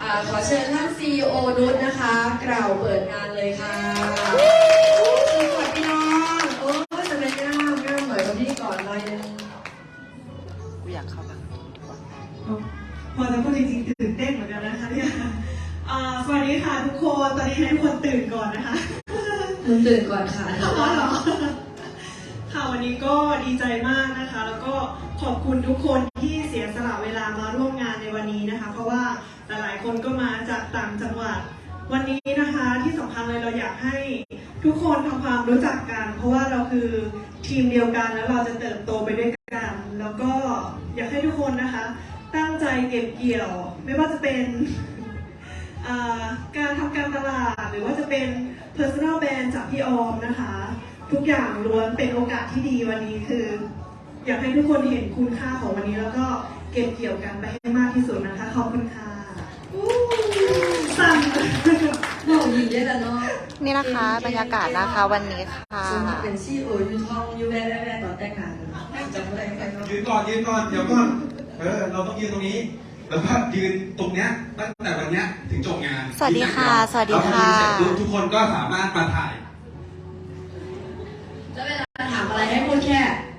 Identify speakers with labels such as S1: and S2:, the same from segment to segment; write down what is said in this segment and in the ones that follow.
S1: ขอเชิญท่าน CEO นุชนะคะกล่าวเปิดงานเลยค่ะสวัสดีน้องโอ้จะเป็นง่ามเหมือนกับพี่ก่อนเลย
S2: กูอยากเข้าบ้าง
S3: พอจะพูดจริงๆตื่นเต้นเหมือนกันนะคะเนี่ยสวัสดีค่ะทุกคนตอนนี้ให้ทุกคนตื่นก่อนนะคะ
S1: ตื่นก่อนค่ะ
S3: ค่ะวันนี้ก็ดีใจมากนะคะแล้วก็ขอบคุณทุกคนที่เสียสละเวลามาร่วมงานในวันนี้นะคะเพราะว่าหลายๆคนก็มาจากต่างจังหวัดวันนี้นะคะที่สำคัญเลยเราอยากให้ทุกคนทำความรู้จักกันเพราะว่าเราคือทีมเดียวกันแล้วเราจะเติบโตไปด้วยกันแล้วก็อยากให้ทุกคนนะคะตั้งใจเก็บเกี่ยวไม่ว่าจะเป็นการทำการตลาดหรือว่าจะเป็น personal brand จากพี่ออมนะคะทุกอย่างล้วนเป็นโอกาสที่ดีวันนี้คืออยากให้ทุกคนเห็นคุณค่าของวันนี้แล้วก็เก็บเกี่ยวกันไปให้มากที่สุดนะคะขอบคุณค่ะสั่น
S1: โอ้ยได้แล้วเนาะ
S2: นี่นะคะบรรยากาศนะคะวันนี้ค่ะ
S1: เป็นซีโอยูทองยูแว่ต่อแต่งงานจำอะไรกัน
S4: ยืนก่อนเดี๋ยวก่อนเราต้องยืนตรงนี้แล้วก็ยืนตรงเนี้ยตั้งแต่วันเนี้ยถึงจบงาน
S2: สวัสดีค่ะสวัสดีค่ะ
S4: ทุกคนก็สามารถมาถ่าย
S1: แล้วเวลาถามอะไรให้พูดแค่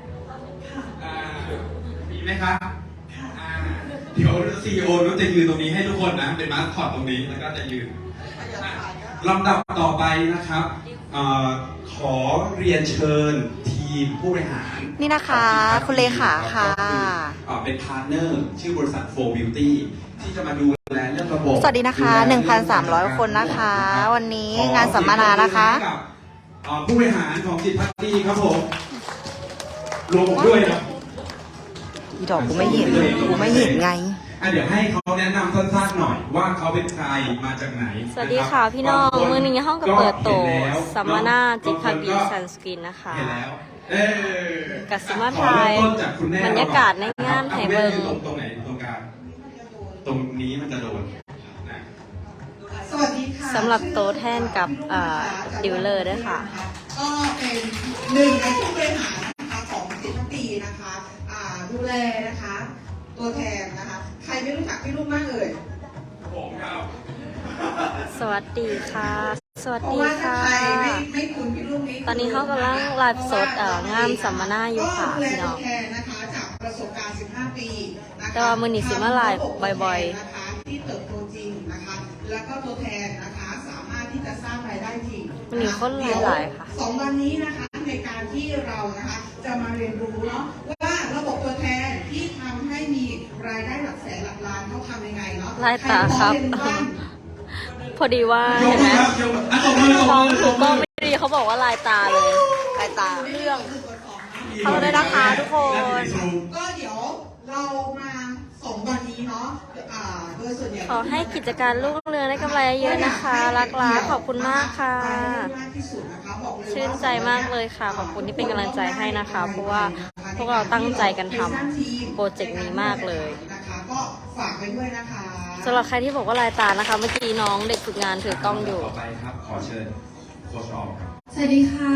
S4: มีไหมครับเดี๋ยวซีอีโอนุชจะยืนตรงนี้ให้ทุกคนนะเป็นมาสคอตตรงนี้แล้วก็จะยืนลำดับต่อไปนะครับขอเรียนเชิญทีมผู้บริหาร
S2: นี่นะคะคุณเลขาค่ะ
S4: เป็นพาร์ทเนอร์ชื่อบริษัท 4 Beauty ที่จะมาดูแลเรื่องระบบ
S2: สวัสดีนะคะ 1,300 คนนะคะวันนี้งานสัมมนานะคะ
S4: ผู้บริหารของจิตพักดีครับผมรวมผมด้วยนะ
S2: อีดอกกูไม่เห็นไง
S4: เดี๋ยวให้เขาแนะนำสั้นๆหน่อยว่าเขาเป็นใครมาจากไหน
S5: สวัสดีค่ะพี่น้องมือนี้ห้องกับเปิดโตสัมมนาจิตพักดีซันสกินนะคะกับสมาไทยบรรยากาศในงานไห่เบิง
S4: ตรงไหนตรงกลางตรงนี้มันจะโดน
S3: สวัสดีค่ะ
S5: สำหรับโตแทนกับดิวเลอร์ด้วยค่ะ
S3: ก็เป็นหนึ่งในผู้บริหารนะคะของจิตพักดีนะคะดูแลนะคะตัวแทนนะคะใครไม่รู้จักพี่ลุงบ้างเลย
S4: ผมครับ
S5: สวัสดีค่ะสวัสดีค่ะ
S3: ไม่คุ้นพี่ลุงนี้
S5: ตอนนี้เขากำลังไลฟ์สดงานสัมมนาอยู่ค่ะพี่น้อง
S3: นะคะจากประสบการณ์15 ปี
S5: แต่ว่ามือนี้สิมาไลฟ์บ่อย
S3: ๆนะคะที่เติบโตจริงนะคะแล้วก็ตัวแทนนะคะสามารถที่จะสร้างรายได้จริง
S5: มันมีคนหลายๆค่ะ
S3: 2 วันนี้นะคะในการที่เรานะคะจะมาเรียนรู้เนาะว่าระบบตัวแทนที่ทำให้มีรายได้หลักแสนหลักล้านเขาทำยังไงเนาะ
S5: ลายตาครับพอดีว่าเห็นไหมมองถูกก็ไม่ดีเขาบอกว่าลายตาเลยลายตาเรื่องเขาได้นะคะทุกคน
S3: ก็เดี๋ยวเรามา2 วันนี้เนาะโดยส่วนใหญ่
S5: ขอให้กิจการรุ่งเรืองได้กำไรเยอะนะคะรักขอบคุณมากค่ะชื่นใจมากเลยค่ะขอบคุณที่เป็นกำลังใจให้นะคะเพราะว่าพวกเราตั้งใจกันทำโปรเจกต์นี้มากเลย
S3: นะคะก็ฝากไปด้วยนะคะ
S5: สำหรับใครที่บอกว่าลายตานะคะเมื่อกี้น้องเด็กฝึกงานถือกล้องอยู่
S4: ต่อไปครับขอเชิญโค้ชออมครับ
S1: สวัสดีค่ะ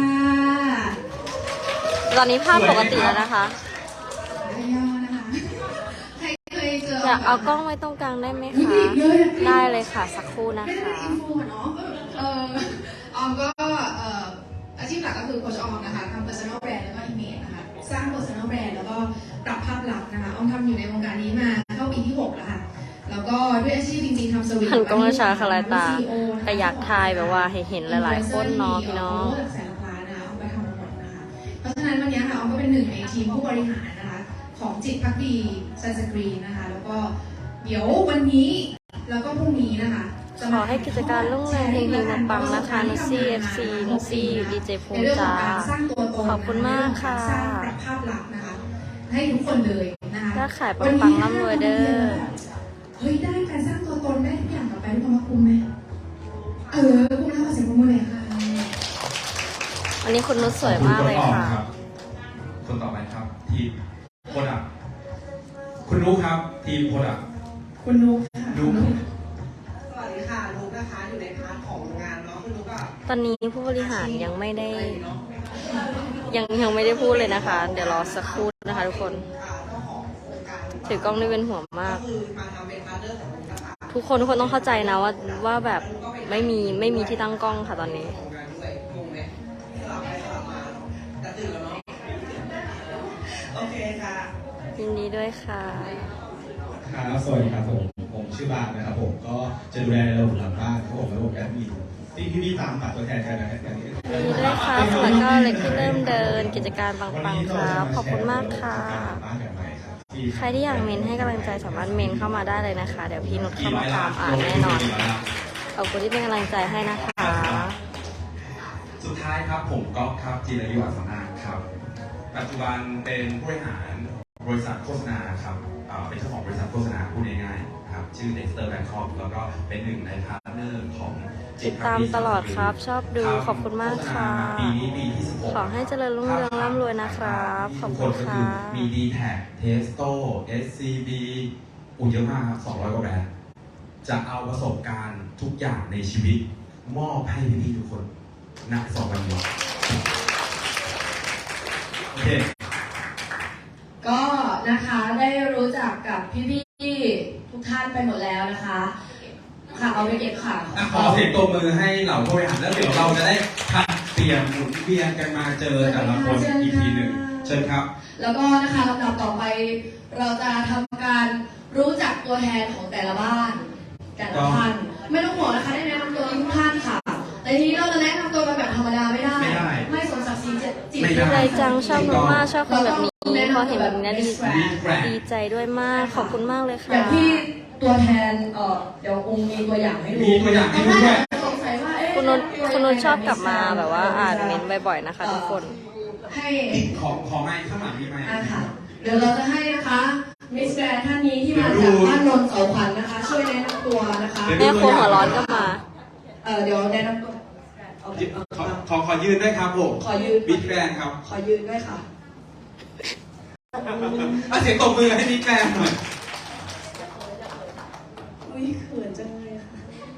S5: ตอนนี้ภาพปกติแล้วนะคะอยากเอากล้องไว้ตรงกลางได้ไหมคะได้เลยค่ะสักครู่นะคะ
S1: ออมก็อาชีพหลักก็คือโค้ชออมนะคะทำ personal brand แล้วก็ image นะคะสร้าง personal brand แล้วก็ปรับภาพลักษณ์นะคะออมทำอยู่ในวงการนี้มาเข้าปีที่6แล้วค่ะแล้วก็ด้วยอาชีพจริงๆทำสวิตช์
S5: หันกล้องช้าค่ะลายตาแต่อยากทายแบบว่าให้เห็นหลายๆคนเนาะพี่น้อง
S1: แสนล้านนะคะออมไปทำหมดนะคะเพราะฉะนั้นวันนี้ค่ะออมก็เป็นหนึ่งในทีมผู้บริหารนะคะของจิตพักดีซันสกรีนนะคะแล้วก็เดี๋ยววันนี้แล้วก็พรุ่งนี้นะคะ
S5: ขอให้กิจการรุ่งเรืองเฮงๆปังๆนะคะนุซี่เอฟซีนุซี่ดีเจภูมิจ้าขอบคุณมากค่ะ
S1: สร้างภาพลักษณ์นะคะให้ทุกคนเลยนะคะ
S5: ถ้าขายปังๆร่ำรวยเด้อ
S1: เฮ้ยได้การสร้างตัวตนได้ทุกอย่างต่อไปทุกคนว่าคุ้มไหมคุ้มแล้วขอเสียงปรบมือหน่อยค่ะ
S5: วันนี้คุณนุชสวยมากเลยค่ะ
S4: คนต่อไปครับทีมโปรดักคุณนุ๊กครับทีมโปรดัก
S1: คุณนุ๊ก
S3: สวัสดีค่ะนุ๊กนะคะอยู่ในพาร์ทของงานเนาะคุณนุ๊กก็
S5: ตอนนี้ผู้บริหารยังไม่ได้ยังไม่ได้พูดเลยนะคะเดี๋ยวรอสักครู่นะคะทุกคนถือกล้องได้เป็นห่วงมาก
S3: คือมาทำเป็นพาร์ทเนอร์ของ
S5: ทุกคนต้องเข้าใจนะว่าแบบไม่มีที่ตั้งกล้องค่ะตอนนี้
S3: โอเคค่ะ
S5: ยินดีด้วยค่ะ
S6: ครับสวัสดีครับผมชื่อบาร์นะครับผมก็จะดูแลระบบหลังบ้านครับผมระบบแอดมินที่พี่ๆตามหาตัวแทนกันนะครับอย่างนี้
S5: ยินดีด้วยค่ะส่วนก็เล็กที่เริ่มเดินกิจการปังๆครับขอบคุณมากค่ะ
S6: บ้านแบบใหม่ครับ
S5: ใครที่อยากเมนให้กำลังใจสามารถเมนเข้ามาได้เลยนะคะ เดี๋ยวพี่นุชเข้ามาตามอ่านแน่นอน ขอบคุณที่เป็นกำลังใจให้นะคะ
S4: สุดท้ายครับผมก๊อฟครับจิรยุอัศนาครับ ปัจจุบันเป็นผู้บริหารบริษัทโฆษณาครับเป็นเจ้าของบริษัทโฆษณาพูดง่ายๆครับชื่อ Dexter Bangkok แล้วก็เป็นหนึ่งในพาร์ทเนอร์ของ
S5: ติดตามตลอดครับชอบดูขอบคุณมากค่ะ
S4: ปีนี้ปีที่16
S5: ขอให้เจริญรุ่งเรืองร่ำรวยนะครับขอบคุณค่ะ
S4: มี D-Tag Testo SCB เยอะมากครับ200 กว่าแบรนด์จะเอาประสบการณ์ทุกอย่างในชีวิตมอบให้พี่ๆทุกคนณ2 วันนี้โอเค
S1: ก็นะคะได้รู้จักกับพี่ๆทุกท่านไปหมดแล้วนะคะค่ะเอาไปเก็บค่ะ
S4: ขอเสียงตบมือให้เหล่าผู้บริหารแล้วเดี๋ยวเราจะได้ผัดเปลี่ยนหมุนเวียนกันมาเจอแต่ละคนอีกทีหนึ่งเชิญครับ
S1: แล้วก็นะคะลำดับต่อไปเราจะทำการรู้จักตัวแทนของแต่ละบ้านแต่ละท่านไม่ต้องห่วงนะคะได้แนะนำตัวทุกท่านค่ะแต่ทีนี้เราจะแนะนำตัวกันแบบธรรมดาไม่ได้ ไม่สมศักดิ์ศรีจิต
S4: ไม่ได้
S5: ใจจังชอบมากๆชอบคนแบบนี้พอเห็นแบบนี้ดีใจด้วยมากขอบคุณมากเลยค่ะ
S1: อย่างที่ตัวแทนเดี๋ยวองค์มีตัวอย่างให้ดู
S4: มีตัวอย่างให้ดูด้วย
S1: สงสัยว่าเอ๊ะ
S5: คุณนุชชอบกลับมาแบบว่าอ่านเมนต์บ่อยๆนะคะทุกคน
S1: ให้
S4: ขอไม้ข้างหลังมีไม้
S1: ค่ะเดี๋ยวเราจะให้นะคะมิสแกรนท่านนี้ที่มาจากบ้านนนท์เสาขวัญนะคะ ช่วยแนะนำตัวนะคะ
S5: แม่ครัวหัวร้อนก็มา
S1: เดี๋ยวแนะนำตัว
S4: ขอยืนด้วยครับผม
S1: ขอยืน
S4: บิ๊กแกรนครับ
S1: ขอยืนด้วยค่ะ
S4: เสียงตบมือให้บิ๊กแกรนหน่อย
S1: อุ้ยเขินจังเลยค่ะ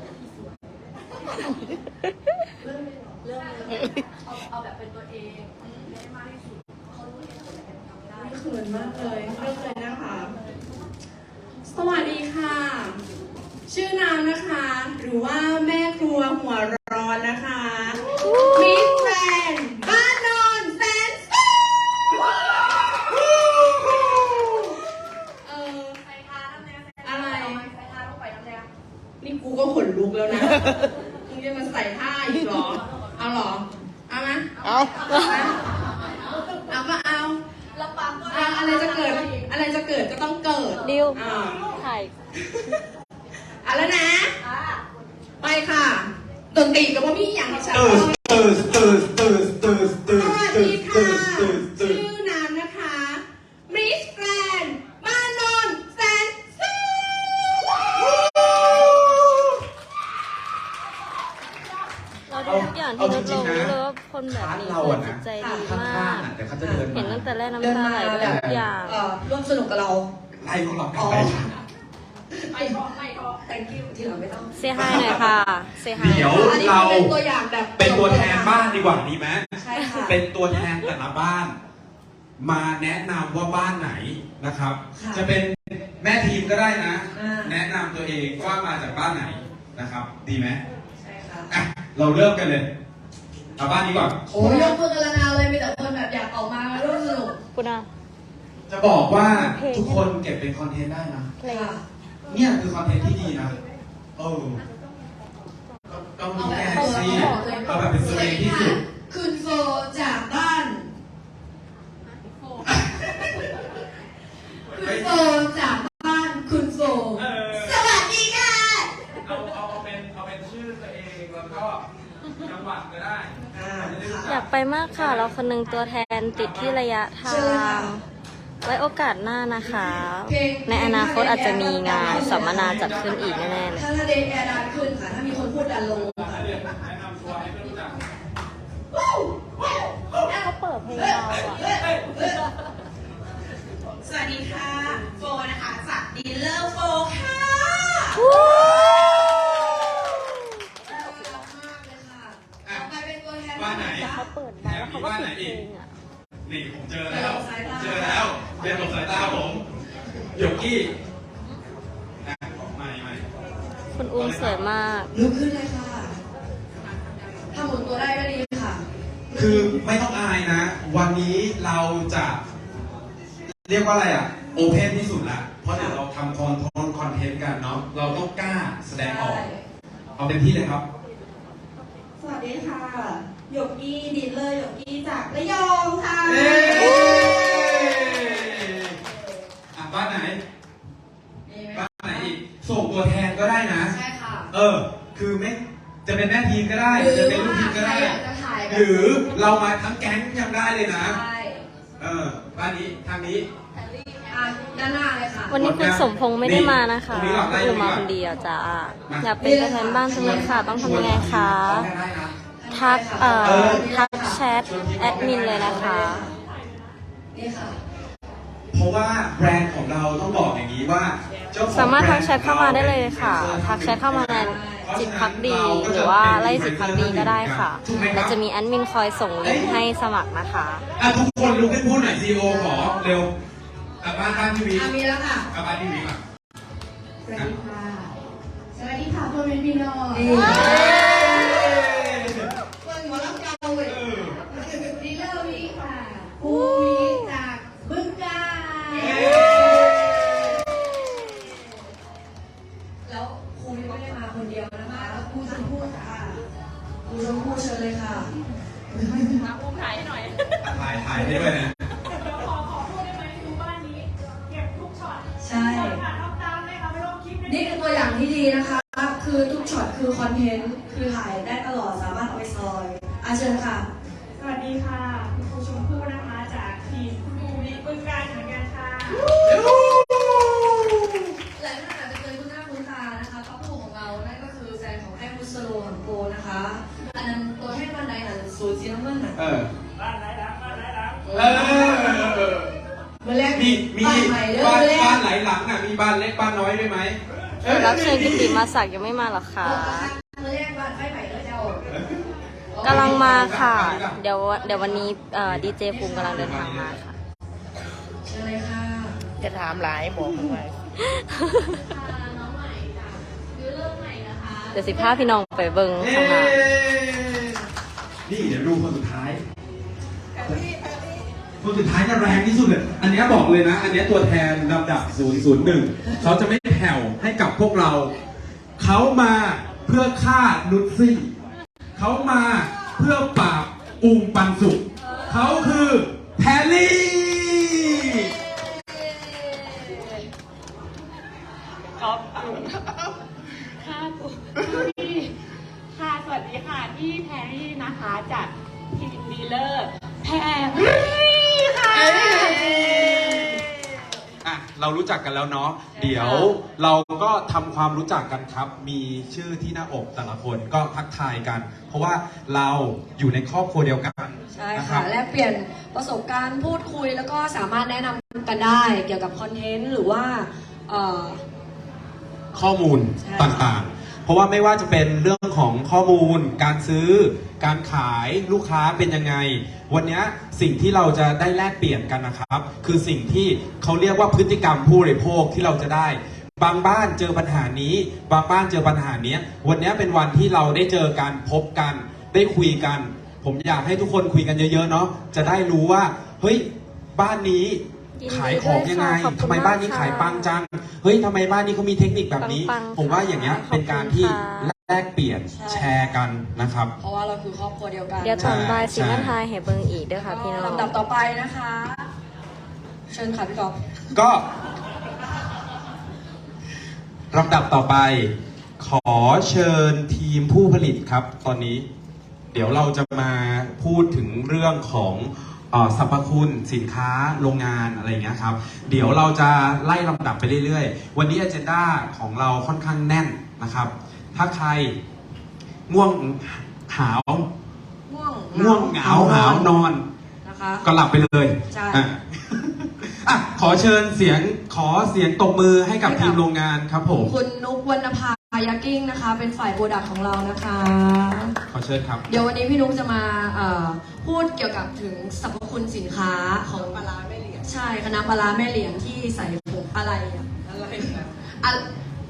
S1: เอาแบบเป็นตัวเองได้มากที่สุดเขารู้ที่สุดได้เขินมากเลยเริ่มเลยนะคะ สวัสดีค่ะ ชื่อนามนะคะ หรือว่าแม่ครัวหัวร้อนนะคะมิสแกรนด์บ้านนนท์แสนสุขใส่ทาทำไงอะไรใส่ทาลงไปทำไงนี่กูก็ขนลุกแล้วนะ มึงจะมาใส่ท่าอีกเหรอ เอาเหรอ เอาไหมเอาก็เอาอะไรจะเกิด อะไรจะเกิดก็ต้องเกิด
S5: ดิว
S1: อ่า
S5: ถ่าย
S1: เอาแล้วนะ ไปค่ะดนตรีกับว่าพี่อย่างที่ฉัน สวัสดีค่ะ ชื่อนามนะคะมิสแกรนด์บ้านนนท์แสนสุข
S5: เราดูทุกอย่างที่นุชลงรู้เลยว่าคนแบบนี้คือจิตใจดีมาก
S4: เดี๋ยวเขาจะเดิน
S5: เห็น
S4: มา
S5: ตั้งแต่แรกน้ำตาไหลไปทุกอย่าง
S1: ร่วมสนุกกับเรา
S4: ไล่พวกเรากลับไป
S1: ไม่พอ thank you ที่เราไม่ต้อง
S5: เซฮายหน่อยค่ะเซฮาย
S4: เดี๋ยว
S1: อันนี้
S4: เรา
S1: เป็นตัวอย่างแบบ
S4: เป็นตัวแทนบ้านดีกว่าดีไหม
S1: ใช่ค่ะ
S4: เป็นตัวแทนแต่ละบ้าน มาแนะนำว่าบ้านไหนนะครับ
S1: ค่ะ
S4: จะเป็นแม่ทีมก็ได้นะ
S1: อ่า
S4: แนะนำตัวเองว่ามาจากบ้านไหนนะครับ ดีไหม
S1: ใช่ค่ะ
S4: อ่ะเราเริ่มกันเลยเอาบ้านนี้ก่อน
S1: โอ้ยยกมือกันละนาวเลยมีแต่คนแบบอยากออกมาร่วมสนุก
S5: คุณอา
S4: จะบอกว่าทุกคนเก็บเป็นคอนเทนต์ได้นะ
S5: เพลง
S1: ค่ะ
S4: เนี่ยคือคอนเทนต์ที่ดีนะก็มีแก้สิเอาแบบเป็นตัวเองที่สุด
S1: คุณโฟจากบ้านคุณโฟจากบ้านคุณโฟสวัสดีค่ะ
S4: เอาเป็นชื่อตัวเองแล้วก็จังหวัดก็ได้
S5: อยากไปมากค่ะ เราคนหนึงตัวแทนติดที่ระยะทาง ไว้โอกาสหน้านะคะ ในอนาคตอาจจะมีงานสัมมนาจัดขึ้นอีกแน่ๆเลย
S1: ถ้าเดนแอร์ดันขึ้นค่ะ ถ้ามีคนพูดดันลงค่ะ
S4: แนะนำตัวให้เพื่อนรู้จัก
S5: เขาเปิดเพลงเราอ่ะ
S7: สวัสดีค่ะ โฟนะคะจากดีลเลอร์โฟค่ะ
S1: ต่อไปเป็นตัวแทน
S4: บ้านไหน
S5: เขาเปิดมาแล้วเขาก็ปิดเพลงอ่ะ
S4: นี่ผมเจอแล้วเรียนหลบสายตาผมหยกกี้นะไม่
S5: คุณอุ้มสวยมาก
S1: ลุกขึ้นเลยค่ะถ้าหมุนตัวได้ก็ดีค่ะ
S4: คือไม่ต้องอายนะ วันนี้เราจะเรียกว่าอะไรอ่ะโอเพนที่สุดละเพราะเดี๋ยวเราทำคอนเทนต์กันเนาะเราต้องกล้าแสดงออกเอาเต็มที่เลยครับ
S7: สวัสดีค่ะหยกกี้ดินเลอร์หยกกี้จากระยองค่ะ
S4: เอ้อ่ะบ้านไหนบ้านไหนอีกส่งตัวแทนก็ได้นะ
S1: ใช่ค่ะ
S4: คือไม่จะเป็นแม่ทีมก็ได้
S1: หรือ
S4: จะเป็นลูกทีมก็
S1: ว่าใคร
S4: ได้
S1: อยากจะถ่ายแบบ
S4: หรือเรามาทั้งแก๊งยังได้เลยนะ
S1: ใช่
S4: บ้านนี้ทางนี้
S1: อ่ะด้านหน้าเลยค่ะ
S5: วันนี้คุณสมพงษ์ไม่ได้มานะคะ
S4: ตรงนี้หรอได้
S5: คุณมาคนเดียวจ้าอยากเป็นตัวแทนบ้านจังเลยค่ะ ต้องทำยังไงคะ
S4: ได้นะ
S5: ทักทักแชทแอดมินเลยนะคะ
S1: นี่ค่ะ
S4: เพราะว่าแบรนด์ของเราต้องบอกอย่างนี้ว่าเจ้ของ
S5: สามารถทักแชท
S4: บ
S5: เข้ามาได้เลยค่ะ ทักแชทเข้ามาในจิตพักดีหรือว่าไล่จิตพักดีก็ได้ค่ะและจะมีแอดมินคอยส่งลิงก์ให้สมัครนะคะ
S4: ทุกคนลุกขึ้นพูดหน่อยซีโอขอเร็วบ้านทีวี
S1: มีแล้วค่ะ
S4: บ้านทีวีก่อน
S1: สวัสดีค่ะ สวัสดีค่ะพ่อแม่พี่น้อง
S4: เอ้ย
S1: เปิดหัวรับเก่าเลยดีเลอร์วีค่ะภูมิจากบึงกาฬแล้วครูไม่ได้มาคนเดียวนะคะแล้วครูชมพู่ค่ะครูชมพู่เชิญเลยค่ะ
S4: ถ่ายให้ด้วยนะ
S1: ใช่ นี่คือตัวอย่างที่ดีนะคะ คือทุกช็อตคือคอนเทนต์ คือถ่ายได้ตลอด สามารถเอาไปซอยเชิญค่ะ
S3: สวัสดีค่ะคุณครูชมพู่นะคะจากทีมคุณครูวิบึงการเหมือนกันค่ะ
S1: หลายท่านอาจจะเคยคุ้นหน้าคุ้นตานะคะครอบครัวของเรา นั่นก็คือแฟนของแม่บุษโลของโกนะคะ อันนั้นตัวแทนบ้านใดน่ะสูตรสีน้ำเงินน่ะ
S3: บ้านไหนดังบ้านไหนดัง
S1: เมื่อแรก
S4: มี
S1: บ้านใหม่เริ่
S4: บ้าม น
S1: แร
S4: บ้าก นไหลหลังอ่ะมีบ้านเล็กบ้านน้อยด้วยไหม
S5: รับเชิญกิติมาศักดิ์ยังไม่มาหรอคะ
S1: เมื่อแรกบ้านไฟใหม่เลยเจ้าก
S5: ำลังมาค่ะ เดี๋ยววันนี้ดีเจภูมิกำลังเดินทางมาค่ะ
S1: เชิญเลยค่ะ
S2: จะถามหลายบอกทำไม
S5: เดี๋ยวสิพาพี่น้องไปเบิ้งข้างหน้า
S4: นี่เดี๋ยวดูคนสุดท้าย คนสุดท้ายจะแรงที่สุดเลยอันนี้บอกเลยนะ อันนี้ตัวแทนลำดับ 001 เขาจะไม่แผ่วให้กับพวกเรา เขามาเพื่อฆ่านุชซี่ เขามาเพื่อปราบอุงปันสุข เขาคือแพรลี่
S7: ค่ะ สวัสดีค่ะ ที่แพรรี่นะคะจากทีมดีเลอร์แพรรี่ค่ะ
S4: เรารู้จักกันแล้วเนาะ เดี๋ยวเราก็ทำความรู้จักกันครับ มีชื่อที่หน้าอกแต่ละคนก็ทักทายกัน เพราะว่าเราอยู่ในครอบครัวเดียวกัน
S8: ใช่
S4: นะค
S8: ค่ะ
S4: รับ
S8: แลกเปลี่ยนประสบการณ์พูดคุยแล้วก็สามารถแนะนำกันได้เกี่ยวกับคอนเทนต์หรือว่าเอ่อ
S4: ข้อมูล
S8: ใช่
S4: ต่างๆ เพราะว่าไม่ว่าจะเป็นเรื่องของข้อมูล การซื้อ การขายลูกค้าเป็นยังไง วันนี้สิ่งที่เราจะได้แลกเปลี่ยนกันนะครับ คือสิ่งที่เขาเรียกว่าพฤติกรรมผู้บริโภคที่เราจะได้ บางบ้านเจอปัญหานี้ บางบ้านเจอปัญหานี้ วันนี้เป็นวันที่เราได้เจอกันพบกัน ได้คุยกัน ผมอยากให้ทุกคนคุยกันเยอะๆเนาะ จะได้รู้ว่า เฮ้ย บ้านนี้ขายของยังไง
S5: ขอบคุณ
S4: ทำไมบ้านนี้
S5: มากค่ะ
S4: ขายปังจัง เฮ้ยทำไมบ้านนี้เขามีเทคนิคแบบนี้
S5: ปังๆ
S4: ผมว่าอย่างเงี้ย
S5: ค่ะ
S4: เป็นการที่
S5: ขอบคุณค่ะ
S4: แลกเปลี่ยนแชร์กันนะครับ
S8: เพราะว่าเราคือครอบครัวเดียวกัน
S5: เดี๋ยวตอนบ่าย
S4: ใช่
S5: สิมาทายให้เบิ้งอีกเด้วยค่ะพี่น้อง
S8: ลำดับต่อไปนะคะ เชิญค่ะพี่กอล์ฟ
S4: ก็ลำดับต่อไป ขอเชิญทีมผู้ผลิตครับ ตอนนี้ เดี๋ยวเราจะมาพูดถึงเรื่องของสรรพคุณสินค้าโรงงานอะไรอย่างเงี้ยครับ เดี๋ยวเราจะไล่ลำดับไปเรื่อยๆ วันนี้ agenda ของเราค่อนข้างแน่นนะครับ ถ้าใครง่วงหาว ง่วงเหงาหาวนอน
S8: นะคะ
S4: ก็หลับไปเลย
S8: ใช่
S4: อ่ะขอเชิญเสียงตบมือให้กับทีมโรงงานครับผม
S8: คุณนุกวรรณภายากิ้งนะคะ เป็นฝ่ายโปรดักต์ของเรานะคะ
S4: ขอเชิญครับ
S8: เดี๋ยววันนี้พี่นุ๊กจะมาพูดเกี่ยวกับถึงสรรพคุณสินค้าของปลาร้าแม่เหลียงใช่คณะปลาร้าแม่เหลียงที่ใส่ผงอะไรอะอะไร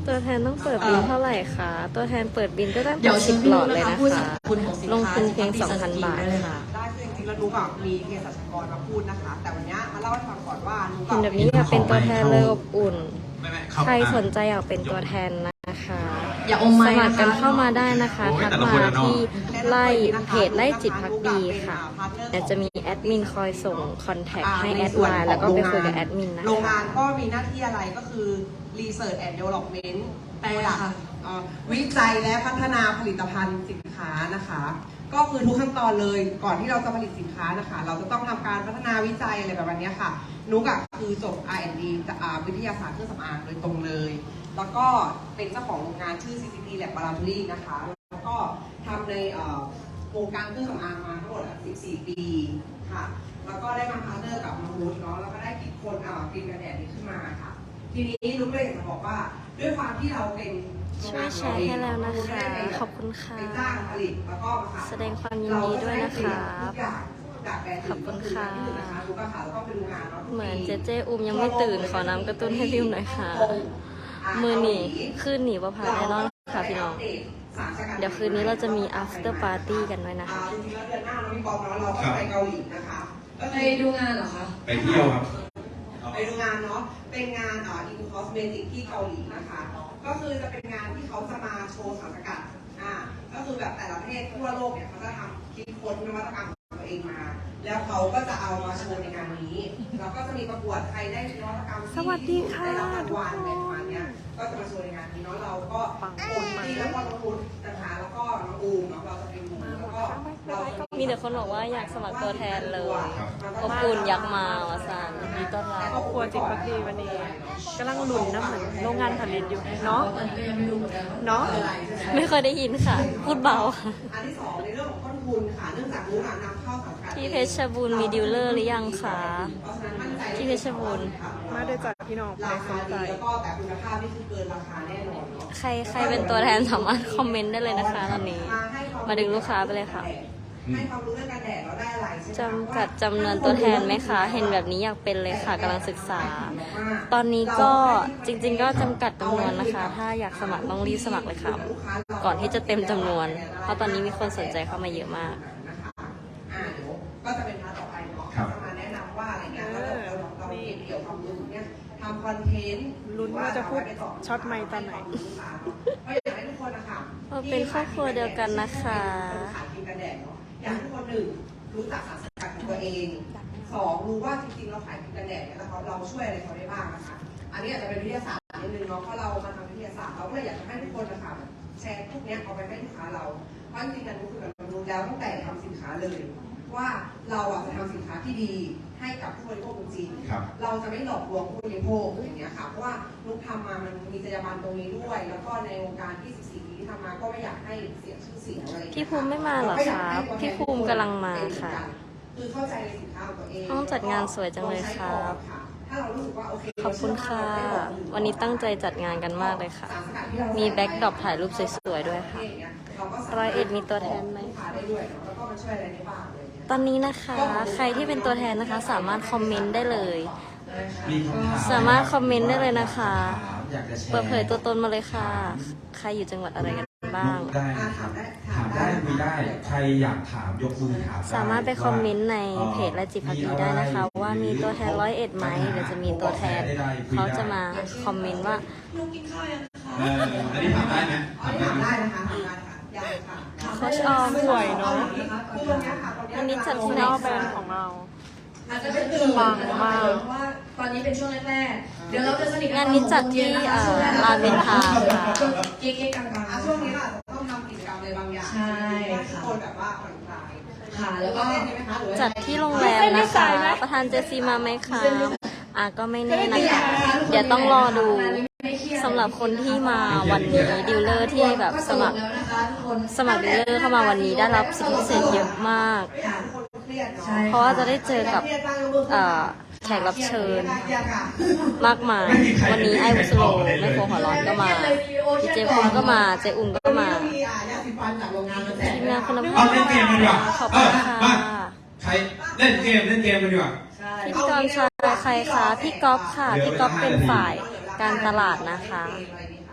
S5: ตัวแทนต้องเปิดบินเท่าไหร่คะ ตัวแทนเปิดบินก็ตั้ง
S8: เดี๋
S5: แต่
S8: ยวชิม
S5: 10 หลอดเลย
S8: นะ
S5: นะคะ
S8: ผู้สร
S5: คะ
S8: รพคุณของสิน
S5: ลง
S8: ค้า
S5: ทุนเพียง
S8: ฉพาะ
S5: 2,000 บาท
S8: เลย
S5: ค่ะ
S9: ได้คือจริงๆแล้วนุกอะมีเภสัชกรมาพูดนะคะ แต่วันเนี้ยมาเล่าให้ฟังก่อนว่านุก
S5: เห็นแบบนี้อยากเป็นตัวแทนเลยอบอุ่น
S4: ไม่
S5: ใครสนใจอยากเป็นตัวแทนนะคะ
S8: อย่าอม
S5: ส
S8: ไม้
S5: มัค
S8: นะ
S5: รกั
S8: คะ
S5: นเข้ามาได้นะคะ
S4: โอ้ย
S5: ทัก
S4: แต่ละ
S5: มา
S4: คนอะเนาะ
S5: ที่ไล่เพจไล่จิตพักดีค่ะเดี๋ยวจะมีแอดมินคอยส่งคอนแทคให้แอดไลน์แล้วก็ไปคุยกับแอดมินนะ
S9: โรง
S5: คะ
S9: งานก็มีหน้าที่อะไรก็คือ Research and Development
S8: แปลค่ะ
S9: วิจัยและพัฒนาผลิตภัณฑ์สินค้านะคะ ก็คือทุกขั้นตอนเลยก่อนที่เราจะผลิตสินค้านะคะ เราจะต้องทำการพัฒนาวิจัยอะไรแบบนี้ค่ะ นุกอะคือจบ R&D จากวิทยาศาสตร์เครื่องสำอางโดยตรงเลย แล้วก็เป็นเจ้าของโรงงานชื่อ CCP Laboratory นะคะ แล้วก็ทำในวงการเครื่องสำอางมาทั้งหมด14 ปีค่ะ แล้วก็ได้มาพาร์ทเนอร์กับน้องรุ้เนาะ แล้วก็ได้คิดคนครีมกันแดดนี้ขึ้นมาค่ะ ทีนี้นุกเลยอยากจะบอกว่าด้วยความที่เราเป็น
S5: ช่วยแชร์ให้แล้วนะคะ ขอบคุณค่ะ
S9: เป็นจ้างผลิตแล้วก็มาขาย
S5: แสดงความยินดีด้วยนะคะ
S9: ทุกอย่างจากแบรนด์
S5: ขอบคุณค่ะ
S9: ที่นะคะนุกก็ค่ะแล้วก็ไปดูงานเนาะ
S5: เหมือนเจเจอุ้มยังไม่ตื่นขอน้ำกระตุ้นให้พิมหน่อยค่ะ มือหนีคืนหนีประพาแน่นอนค่ะพี่น้อง เดี๋ยวคืนนี้เราจะมี after party กันด้วยนะคะ
S9: จริงๆแล้วเดือนหน้าเรามีบอมเนาะเราก็ไปเกาหลีนะคะก็
S8: ไป
S9: คือ
S8: ดูงานเหรอคะ
S4: ไปเที่ยวครับ
S9: ไปดูงานเนาะ เป็นงานอินคอสเมติกที่เกาหลีนะคะ ก็คือจะเป็นงานที่เขาจะมาโชว์สารสกัดก็คือแบบแต่ละประเทศทั่วโลกเนี่ยเขาจะทำคิดค้นนวัตกรรมของตัวเองมา แล้วเขาก็จะเอามาโชว์ในงานนี้ แล้วก็จะมีประกวดใครได้นวัตกรรมที่
S5: สวัสดีค่ะ
S9: ได้รับรางวัลในประมาณเนี้ยก็จะมาโชว์ในงานนี้เนาะ เราก็คนที่แล้วก็น้องพุทธนะคะ แล้วก็น้องอูมเนาะ เราจะเป็นบูมแล้วก็เราจะ
S5: มีแต่คนบอกว่าอยากสมัครตัวแทนเลย
S4: ครับ
S5: อบอุ่นอยากมาวะสันยินดีต้อนรับ
S9: ครอบครัวจิตพักดีวันนี้กำลังหลุนนะเหมือนโรงงานผลิตอยู่เนาะเนาะ
S5: ไม่เคยได้ยินค่ะ พูดเบาค่ะ
S9: อันที่สองในเรื่องของต้นทุนค่ะ เนื่องจากรู้งานนำเข้าสารสกัด
S5: ที่เพชรบูรณ์มีดีลเลอร์หรือยังคะ
S9: เพราะฉะนั้นมั่นใจ
S5: ที่เพชรบูรณ์
S9: มาด้วยจากพี่น้องราคาดีแล้วก็แต่คุณภาพนี่คือเกินราคาแน่นอนเนาะ
S5: ใครเป็นตัวแทนสามารถคอมเมนต์ได้เลยนะคะตอนนี้ มาดึงลูกค้าไปเลยค่ะ
S9: ให้ความรู้เรื่องการแดดเราได้อะไรใช่ไหม
S5: จำกัดจำนวนตัวแทนไหมคะ เห็นแบบนี้อยากเป็นเลยค่ะกำลังศึกษา ตอนนี้ก็จริง ๆ ก็จำกัดจำนวนนะคะ ถ้าอยากสมัครต้องรีบสมัครเลยค่ะ ก่อนที่จะเต็มจำนวน เพราะตอนนี้มีคนสนใจเข้ามาเยอะมาก
S9: นะคะเดี๋ยวก็จะเป็นพาร์ทต่อไปเนาะ
S4: ครับ
S9: จะมาแนะนำว่าอะไรเงี้ยเราเก็บเกี่ยวความรู้เนี่ยทำคอนเทนต์ลุ้นว่าจะพูดช็อตไมค์ตอนไหนก็อยากให้ทุกคนนะคะ
S5: เราเป็นครอบครัวเดียวกันนะคะ
S9: ขายครีมกันแดดเนาะอยากให้ทุกคนหนึ่งรู้จักสารสกัดของตัวเองสองรู้ว่าจริงๆเราขายครีมกันแดดเนี่ยเราช่วยอะไรเขาได้บ้างนะคะอันนี้อาจจะเป็นวิทยาศาสตร์นิดนึงเนาะเพราะเรามาทำวิทยาศาสตร์เราก็เลยอยากจะให้ทุกคนนะคะแชร์พวกเนี้ยเอาไปให้ลูกค้าเราเพราะจริงๆกันก็คือเรารู้แล้วตั้งแต่ทำสินค้าเลย ว่าเราจะทำสินค้าที่ดีให้กับผู้บริโภคจริง
S4: ครับ
S9: เราจะไม่หลอกลวงผู้บริโภคอย่างเงี้ยค่ะเพราะว่านุกทำมามันมีจรรยาบรรณตรงนี้ด้วย แล้วก็ในวงการที่14 ปีที่ทำมาก็ไม่อยากให้เสียชื่อเสียงอะไร
S5: พี่ภูมิไม่มาเหรอคะพี่ภูมิกำลังมาค่ะ
S9: คือเข้าใจในสินค้าของตัวเอง
S5: ห้องจัดงานสวยจังเลยครับ
S9: ถ้าเรารู้สึกว่าโอเค
S5: ขอบคุณค่ะ วันนี้ตั้งใจจัดงานกันมากเลยค่ะ มีแบ็คดรอปถ่ายรูปสวยๆด้วยค่ะ 101มีตัวแทนไหม
S9: แล้วก็มันช่วยอะไรได้บ้างอะไรเงี้ย
S5: ตอนนี้นะคะ ใครที่เป็นตัวแทนนะคะ สามารถคอมเมนต์ได้เลย
S4: มีคำถาม
S5: สามารถคอมเมนต์ได้เลยนะคะ
S4: อยากจะแชร์
S5: เปิดเผยตัวตนมาเลยค่ะ ใครอยู่จังหวัดอะไรกันบ้าง
S4: ได้ครับถามได้คุยได้ ใครอยากถามยกมือถามด้
S5: สามารถไปคอมเมนต์ในเพจและจิตพักดีได้นะคะ ว่ามีตัวแทน101ไหมเดี๋ยวจะมีตัวแทน เขาจะมาคอมเมนต์ว่า
S9: ลูกกินข้าวยังคะ
S4: อันนี้ถามได้ไหม
S9: อันนี้ถามได้นะคะถามได้ค่ะยังค่ะ
S5: โค้ชออมสวยเนอะ
S9: คือวันนี้ค่ะ
S5: วันนี้จัดที่ไหนคะ
S8: อาจจะเป็นตื่นปังมากเพราะว่าตอนนี้เป็นช่วงแรกๆ เดี๋ยวเราจะสนิทกั
S5: งานนี้จัดที่ลานเบนทาค่ะ
S8: เก๊ๆกลาง
S9: ช่วงนี้เราต้องทำกิจกรรมอะไรบางอย่าง
S8: ใช่
S9: ให้ทุก
S8: ค่ะ
S9: คนแบบว่าผ่อนคลาย
S8: ค่ะ แล้วก็
S9: เล่นได้ไหมคะหรือว่า
S5: จัดที่โรงแรมนะคะ ประธานเจซีมาไหมคะก็ไม่แน่นะคะ เดี๋ยวต้องรอดูสำหรับคนที่มาวันนี้ดีลเลอร์ที่แบบสมัคร
S8: แล้วนะคะทุกคน
S5: สมัครดีลเลอร์เข้ามาวันนี้ได้รับสิทธิพิเศษเยอะมาก
S9: ทุกคนเครียดเนาะ
S8: ใช่
S5: เพราะว่าจะได้เจอกับแขกรับเชิญ
S9: เครียดค่ะ
S5: มากมาย วันนี้ไอ้วุสโลแม่โคหัวร้อนก็มาพี่เจภูมิก็มา เจอุ่มก็มา
S9: มียาสีฟันจากโรงงานมาแจก
S5: ทีมงานคุณ
S4: เอา
S5: ภาพ
S4: เล่นเกมกันดีกว่า
S5: ขอบ
S4: เอ
S5: คุณ
S4: อ
S5: ค่ะ
S4: มาใครเล่นเกมกันดีกว่า
S5: พิธีกรชายใครคะพี่ก๊อฟค่ะ พี่ก๊อฟเป็นฝ่ายการตลาดนะคะ
S9: ต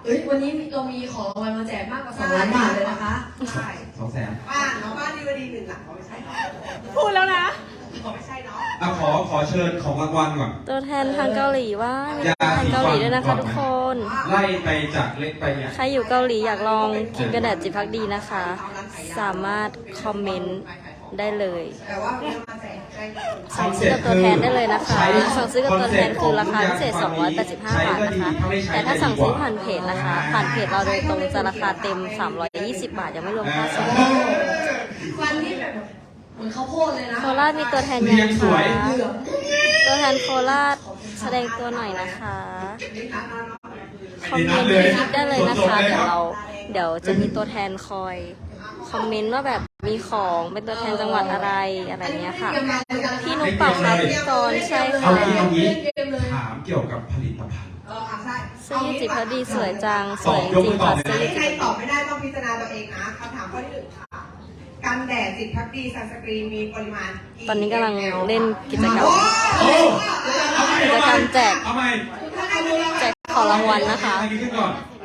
S8: ฮ้ยวันนี้เรามีของรางวัลมาแจกมากกว่า2 ล้านบาทเลยนะคะ
S9: ใช่
S4: 200,000
S9: บ้านดีวดี1 หลังเขาไม่ใช่เนาะ
S7: พูดแล้วนะ
S9: เขาไม่ใช่เนาะ
S4: อ่ะขอเชิญของรางวัลก่อน
S5: ตัวแทนทางเกาหลีว่ามีตัวแทนเกาหลีด้วยนะคะทุกคน
S4: ไล่ไปจากเล็กไปใหญ่
S5: ใครอยู่เกาหลีอยากลองครีมกันแดดจิตภักดีนะคะ สามารถคอมเมนต์ได้เลย
S9: แต่ว่าวันนี้เรามาแจกให้
S5: สั่งซื้อกับตัวแทนได้เลยนะคะ สั่งซื้อกับตัวแทนคือราคาพิเศษ 285 บาทนะคะ แต่ถ้าสั่งซื้อผ่านเพจนะคะ ผ่านเพจเราโดยตรงจะราคาเต็ม 320 บาทยังไม่รวมค่าส่ง
S8: ฟันที่แบบเหมือนข้าวโพดเลยนะ
S5: โคราชมีตัวแทนยัง
S4: เรียงสวย
S5: คะตัวแทนโคราชแสดงตัวหน่อยนะคะ คอมเมนต์ในคลิปได้เลยนะคะ เดี๋ยวจะมีตัวแทนคอยคอมเมนต์ว่าแบบมีของเป็นตัวแทนจังหวัดอะไรอะไรเงี้ยค่ะ พี่นุ๊กเป่าค่ะพิธีกรใช่
S4: เอา
S5: ค่ะ
S4: งี้เอางี้ถามเกี่ยวกับผลิตภัณฑ์
S9: ใช่
S5: เสื้อยืดจิตพอดีสวยจังสวยจริงค่ะเสื้อยืด
S9: ใคร
S5: จิต
S9: ตอบไม่ได้ต้องพิจารณาตัวเองนะคำถามข้อที่ 1 ค่ะ กันแดดจิตพักดีซันสกรีนมีปริมาณ
S5: ตอนนี้กำลังเล่นกิจกรรม
S4: โอ้
S5: กิจกรรมแจก
S4: เอาใหม่
S5: แจกของรางวัลนะคะ
S4: เอาใหม่ขึ้นก่อน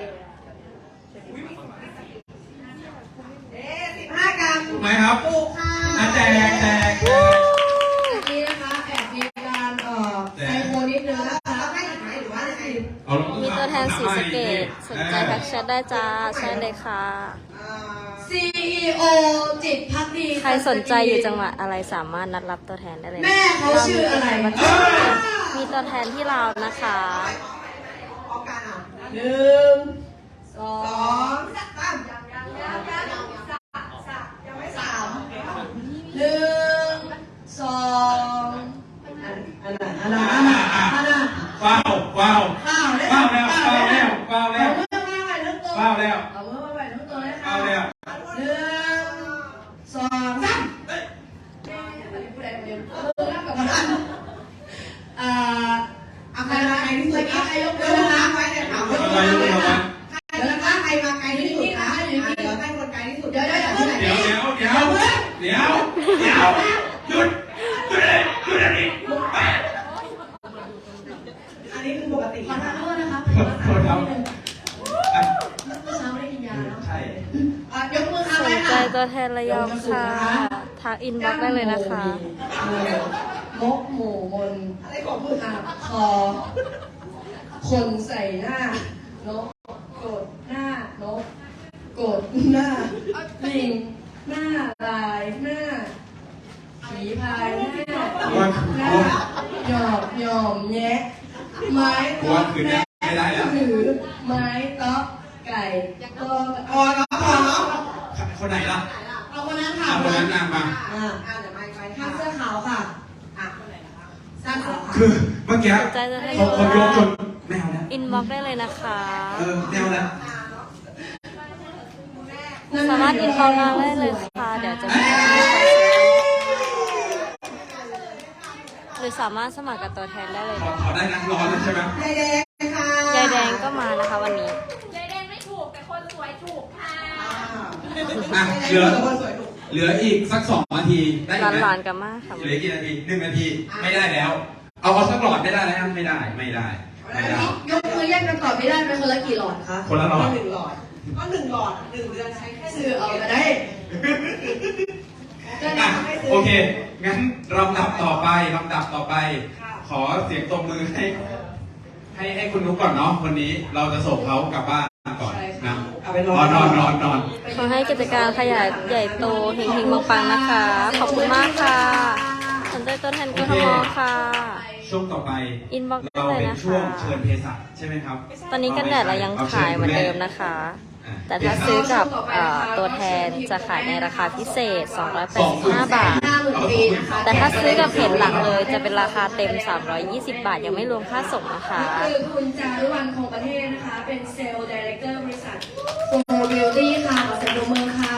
S9: 15 กรัม
S4: ถูกไหมครับ
S9: ถูกค่ะ
S4: อ่ะแจก
S8: นี่นะคะแอบมีการไซโคนิดนึงนะคะ
S9: เราให้อีกไหมหรือว่ายังไง
S4: เอา
S5: มีตัวแทนสีสะเกตสนใจทักแชทได้จ้าใช่เลยค่ะ
S8: CEO จิตพักดี
S5: ใครสนใจอยู่จังหวัดอะไรสามารถนัดรับตัวแทนได้เลยนะ
S8: แม่เขาชื่ออะไร
S5: มีตัวแทนที่เราวนะคะ
S9: ออกการอ่ะ
S8: 1 2
S9: 2 3ยังไม่3
S8: 1 2อันน่ะ
S4: ว้าวว้าว
S8: ข้าว
S4: ว้าวแล้วว้าวแล้วว้าวแล้ว
S8: เอามือมาไว้ทั้งตัว
S4: ว้าวแล้ว
S8: เอามือมาไว้ทั้งตัวเลยค่ะ
S4: ว้าวแล้ว
S8: 1 2 3ผู้ใดคนเดียวมือรับกับมัน
S9: เอาใครมาไกลที่สุดใครยกมือนะคะไว้เนี่ยถามว่า
S4: อะไรรู้ไหม
S9: เดี๋ยวนะคะใครมาไกลที่สุดคะเดี๋ยวให้คนไกลที่สุดเดี๋ยวที่ไหน
S4: เดี๋ยวหยุดอันนี้
S9: อันนี้คือปกติ
S8: ขอทานโทษนะคะ
S4: โทษครับ
S8: เมื่อเช้าไม่ได้กินยาเนาะ
S4: ใช่
S9: ยกมือค่ะ
S5: ส
S9: ไว้
S5: นใจ
S9: ค่ะ
S5: ตัวแทนระยองค่ะทักอินบ็อกซ์ได้เลยนะคะ
S8: มกหมูบน
S9: อะไรของมือค่ะ
S8: คอคนใส่หน้านกกดหน้านกกดหน้าลิงหน้าลายหน้าผีพายหน้าหน้าหยอบหย่อมแยะไม้
S4: กวนคืนนี้ไม่ได้แล้ว
S8: ถือไม้เตาะไก่ก็
S9: พอเนาะพอเนาะ
S4: คนไหนล่ะ
S9: เอาคนนั้นค่ะ
S4: เอาคนนั้นนำมา
S9: เดี๋ยวไม่ไป
S8: ข้า
S9: ค่ะ
S8: งเสื้อขาวค่ะ
S9: คนไหนนะคะสร้างเขาค่ะ
S4: คือเมื่อกี้
S5: สนใจตัวแทน
S4: เขายกจนแมวแล้ว
S5: อินบ็อกซ์ได้เลยนะคะ
S4: แมวแล้ว
S5: สามารถอินบ็อกซ์มาได้เลยค่ะ เดี๋ยวจะมีหรือสามารถสมัครกับตัวแทนได้เลย
S4: ขอ
S5: นะ
S4: ขอได้นะร้อนแล้วใช่ไหม
S9: ยายแดงค่ะ
S5: ยายแดงก็มานะคะวันนี้
S7: ยายแดงไม่ถูกแต่คนสวยถูกค่ะ
S4: อ่ะเหลืออีกสัก2 นาทีได้ไหม
S5: หลานๆกันมากค่ะ
S4: เหลือกี่นาที1 นาทีไม่ได้แล้ว เอาสักหลอดไม่ได้แล้วไม่ได้
S8: ยกมือแยกกันตอบไม่ได้เป็นคนละกี่หลอดคะ
S4: คนละหลอด
S9: 1 หลอดก็1 หลอด1 เดือนใช้แค่
S8: สื่อเอาก็ได้
S4: อ่ะโอเค งั้นลำดับต่อไป ขอเสียงตบมือให้คุณนุ๊กก่อนเนาะวันนี้เราจะส่งเขากลับบ้านก่อนนะ
S9: เอาไปน
S4: นอน
S5: ขอให้กิจการขยายใหญ่โตเฮงๆปังๆนะคะ ขอบคุณมากค่ะ สนใจตัวแทนกทมค่ะ
S4: ช่วงต่อไป
S5: อินบ็อกซ์ได้
S4: เรา
S5: เลย
S4: เป็น
S5: นะ
S4: ช่วง
S5: คะ
S4: เชิญเภสัชใช่ไหมครับ
S5: ตอนนี้กันแดดเรายังขายเหมือนเดิมนะคะ แต่ถ้าซื้อกับตัวแทนจะขายในราคาพิเศษ 285 บาท
S8: 50,000 ปีนะคะ
S5: แต่ถ้าซื้อกับเพจหลักเลยจะเป็นราคาเต็ม 320 บาท ยังไม่รวมค่าส่งนะคะ
S8: คือคุณจารุวรรณคงประเทศนะคะ เป็นเซลล์ดีเรคเตอร์บริษัทโฟร์บิวตี้ค่ะขอเสียงปรบมือค่ะ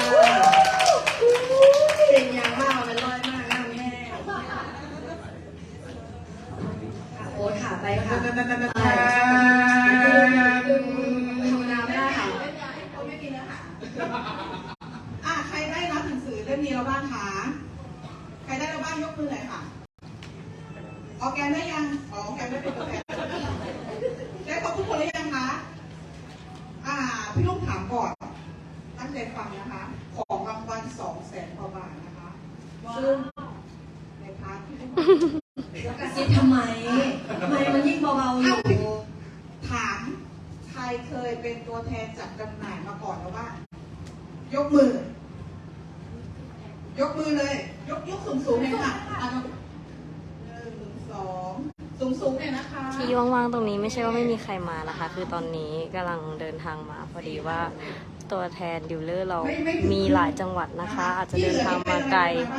S8: เป็นยางมากมันลอยมากน้ำแห้งโอ้ค่ะไปค่ะธรรมดาไม่ได้ค่ะ
S9: ใครได้รับหนังสือเล่มนี้แล้วบ้างคะใครได้แล้วบ้างยกมือหน่อยค่ะออร์แกนได้ยังออร์แกนไม่เป็นตัวแทนได้ครบทุกคนหรือยังคะพี่ลูกถามก่อนตั้งใจฟังนะคะ ของรางวัล200,000 กว่าบาทนะคะซึ่งในพาร์ทที่ลูก
S8: กระซิบทำไมมันยิ่งเบาๆอยู่
S9: ถามใครเคยเป็นตัวแทนจัดจำหน่ายมาก่อนแล้วว่ายกมือ ยกมือเลย ยกสูงๆเลยค่ะสูงๆเลยนะคะ
S5: ที่ว่างๆตรงนี้ไม่ใช่ว่าไม่มีใครมานะคะ คือตอนนี้กำลังเดินทางมาพอดีว่าตัวแทนดิวเลอร์เรามีหลายจังหวัดนะคะ อาจจะเดินทางมาไกล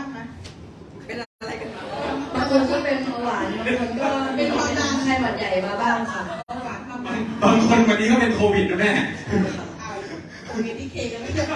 S8: บางคนก็เป็นเบาหวานบางคนก็เป็นไข้หวัดใหญ่มาบ้างค่ะ
S4: บางคนวันนี้ก็เป็นโควิดนะแม่
S9: โอเคที่เคกันไม่เยอะ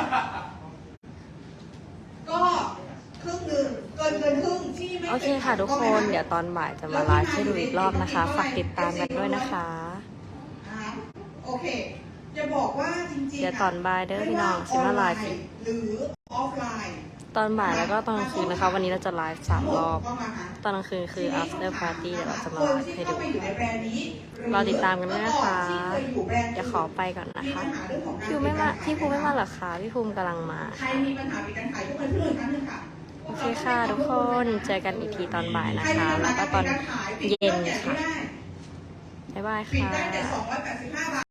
S9: ก็ครึ่งหนึ่งเกินครึ่งที่ไม่
S5: โอเคค่ะทุกคน เดี๋ยวตอนบ่ายจะมาไลฟ์ให้ดูอีกรอบนะคะ ฝากติดตามกันด้วยนะคะ
S9: โอเคจะบอกว่าจริงๆ
S5: เดี๋ยวตอนบ่ายเด้อพี่น้องสิมาไลฟ์อีก
S9: หรือออฟไลน์
S5: ตอนบ่ายแล้วก็ตอนกลางคืนนะคะ วันนี้เราจะไลฟ์3 รอบ ตอนกลางคืนคือ after party เดี๋ยวเราจะมาไลฟ์ให้ดู รอติดตามกันด้วยนะคะ เดี๋ยวขอไปก่อนนะคะ พี่ภูมิไม่มาเหรอคะพี่ภูมิกำลังมา
S9: ใครมีปัญหาปิดการขายยกมือขึ้นเลยครั้งหนึงค่ะ
S5: โอเคค่ะทุกคนเจอกันอีกทีตอนบ่ายนะคะ แล้วก็ตอนเย็นค่ะ บ๊ายบาย
S9: ปิด
S5: ค่ะ
S9: ได้แต่285 บาท